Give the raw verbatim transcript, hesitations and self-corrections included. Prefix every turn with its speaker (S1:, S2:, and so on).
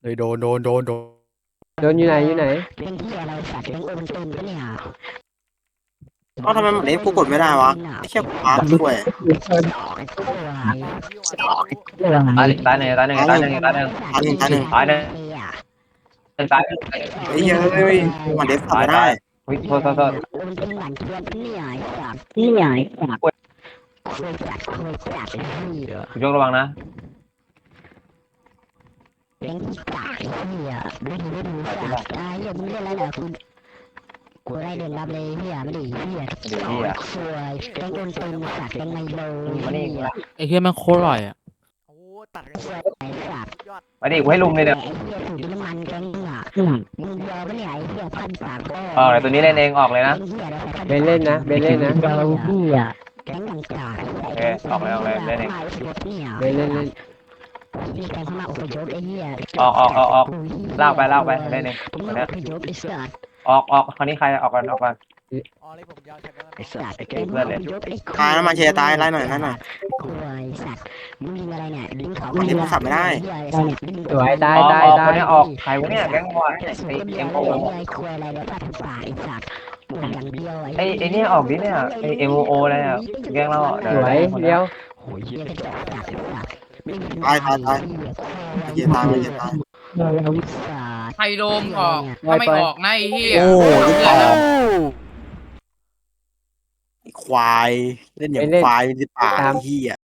S1: เลยโดนโดนโดนโดน
S2: โดนอยู่ไหนอยู่ไหน
S3: เล่นที่อะไรสัตว์เล่นโอมันตุนปะเนี่ย
S4: เอ้าทำไมหมดนี้กูกดไม่ได้วะไอ้เชี่ยกูพาช่วย
S3: ไอ้ตัวไอ้
S5: ตายตายหนึ่งตายหนึ่งตายหนึ่งตายหนึ่ง
S4: ตายหนึ่งตายหนึ่ง
S5: ตายหนึ่งตายหนึ่ง
S4: ไอ้เหี้ยเอ้ยมาเดฟทำไม่ได้
S5: วิ่งโทษโทษโทษ
S3: โอมันตุนหลังเทียนปะเนี่ยไอ้สัตว์นี่ไงสัตว์คุยสัตว์คุยสัตว์ไอ้เหี้ย
S5: คุณยกระวังนะ
S3: เล่นที่กากไอ้เหี้ยดูดูดูสัตว์ไอ้เหี้ยมึงเล่นอะไรเนี่ยคุณกูได้เดินรับเลยเหี้ยไม่ดีเหี้ยสวยเล่นโอนตุนสัตว์เล่นไมโลเหี้ย
S1: ไอ้เฮียแม่งโคตรอร่อยอ่ะ
S6: โอ้ตัดกัน
S3: สวยไอ้สัตว์
S6: ยอด
S5: มาดิกูให้ลุมเลยเนี่ย
S3: ไอ้เหี้ยสูบน้ำมันกันอ่ะมึงเดียวปะเนี่ยไอ้เหี้ยพันปากก็
S5: เออเดี๋ยวตัวนี้เล่นเองออกเลยนะ
S2: เบนเล่นนะเบนเล่นนะ
S3: เดียวเหี้ยแก๊งต่าง
S5: โอเคออกเลยออกเลยเล่นเอง
S3: เนี่ย
S2: เบนเล่นเล่น
S3: มีแก๊งเข้ามาอพยพไอ้เหี้ย
S5: ออกออกออกออกลากไปลากไปเล่นเอง
S3: ผม
S5: ตัว
S3: อ
S5: เนี้ย
S3: พยพไอ้สัตว์
S5: ออกออกคราวนี้ใครออกก่อนออกก่อน
S6: อ๋อเลยผมยาวใช่ไหม
S3: ไอ้สัตว์ไอ้แก๊งอพยพไอ้
S4: ตายแล้วมาเชียร์ตายไล่หน่อยไล่หน่อย
S3: คุยสัตว์มึงยิงอะไรเนี่ยลิงเขา
S4: มันเล่นสับไม่ได้
S2: สวยตาย
S5: ออก
S2: ตาย
S5: ออก
S2: ตา
S5: ค
S2: ย
S5: นนี้ออกใครวะเนี่ยแก๊งบอลไอเอ็มโอ
S3: ไอ้คุยอะไรเนี่ยพันปากไอ้สัตว์ปวดอย่างเดียว
S5: ไอไอเนี่ยออกดิเนี่ยไอเอ็มโออะไรอ่ะแก๊งเรา
S2: สวยเดียว
S3: โอ้ยเหี้ยกระจอกสัตว์สัตว์
S4: ตายตายตายมาเชียร์ตายมาเชียร์ตาย
S7: ไฮโลมออกถ้าไม่ออกนะไอ้เหี้ย
S4: โอ้ลูก
S7: เพื่
S4: ต่
S7: อน
S4: อ
S7: แล้ว
S4: ไอ้ควายเล่นอย่างควายเป็นสิบป่าไอ้เหี้ย